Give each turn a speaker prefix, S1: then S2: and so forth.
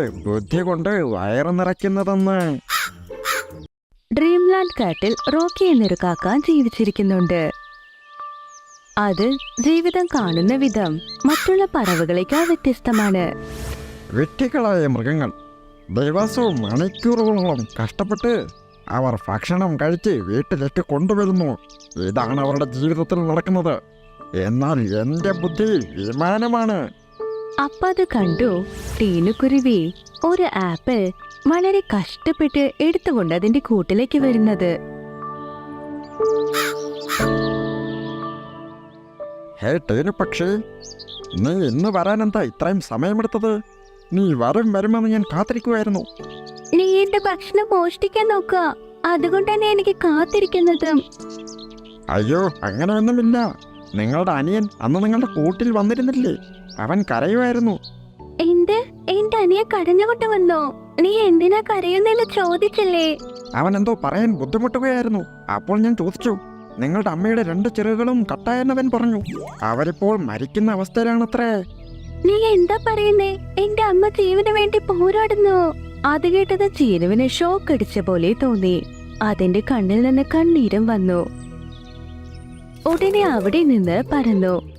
S1: ബുദ്ധി കൊണ്ട് വയറ് നിറയ്ക്കുന്നതെന്ന്.
S2: ഡ്രീംലാൻഡ് കാട്ടിൽ റോക്കി എന്നൊരു കാക്ക ജീവിച്ചിരിക്കുന്നുണ്ട്. അത് ജീവിതം കാണുന്ന വിധം മറ്റുള്ള പറവകളേക്കാൾ വ്യത്യസ്തമാണ്.
S1: വിട്ടികളായ മൃഗങ്ങൾ ദിവസവും മണിക്കൂറുകളോളം കഷ്ടപ്പെട്ട് അവർ ഭക്ഷണം കഴിച്ച് വീട്ടിലേക്ക് കൊണ്ടുവരുന്നു. ഇതാണ് അവരുടെ ജീവിതത്തിൽ നടക്കുന്നത്. എന്നാൽ എൻ്റെ ബുദ്ധി വിമാനമാണ്.
S2: അപ്പത് കണ്ടു ടീനുക്കുരുവി ഒരു ആപ്പിൾ വളരെ കഷ്ടപ്പെട്ട് എടുത്തുകൊണ്ട് അതിന്റെ കൂട്ടിലേക്ക് വരുന്നത്.
S1: ഹേ ടീനു പക്ഷി, നീ ഇന്ന് വരാനെന്താ ഇത്രയും സമയമെടുത്തത്? നീ വരുമെന്ന് ഞാൻ കാത്തിരിക്കുമായിരുന്നു.
S2: നീ എന്റെ ഭക്ഷണം മോഷ്ടിക്കാൻ നോക്കുക, അതുകൊണ്ട് തന്നെ എനിക്ക് കാത്തിരിക്കുന്നത്.
S1: അയ്യോ, അങ്ങനെയൊന്നുമില്ല. നിങ്ങളുടെ അനിയൻ അന്ന് നിങ്ങളുടെ കൂട്ടിൽ വന്നിരുന്നില്ലേ? അവൻ കരയുമായിരുന്നു.
S2: എന്റെ അനിയെ കരഞ്ഞുകൊണ്ട് വന്നോ? നീ എന്തിനാ കരയുന്നെന്ന് ചോദിച്ചില്ലേ?
S1: അവൻ എന്തോ പറയാൻ ബുദ്ധിമുട്ടുകയായിരുന്നു. അപ്പോൾ ഞാൻ ചോദിച്ചു. നിങ്ങളുടെ അമ്മയുടെ 2 ചിറകുകളും കട്ടായെന്നവൻ പറഞ്ഞു. അവരിപ്പോൾ മരിക്കുന്ന അവസ്ഥയിലാണത്രേ.
S2: നീ എന്താ പറയുന്നേ? എന്റെ അമ്മ ജീവന് വേണ്ടി പോരാടുന്നു. അത് കേട്ടത് ചീനുവിന് ഷോക്ക് അടിച്ച പോലെ തോന്നി. അതിന്റെ കണ്ണിൽ നിന്ന് കണ്ണീരും വന്നു. ഉടനെ അവിടെ നിന്ന് പറന്നു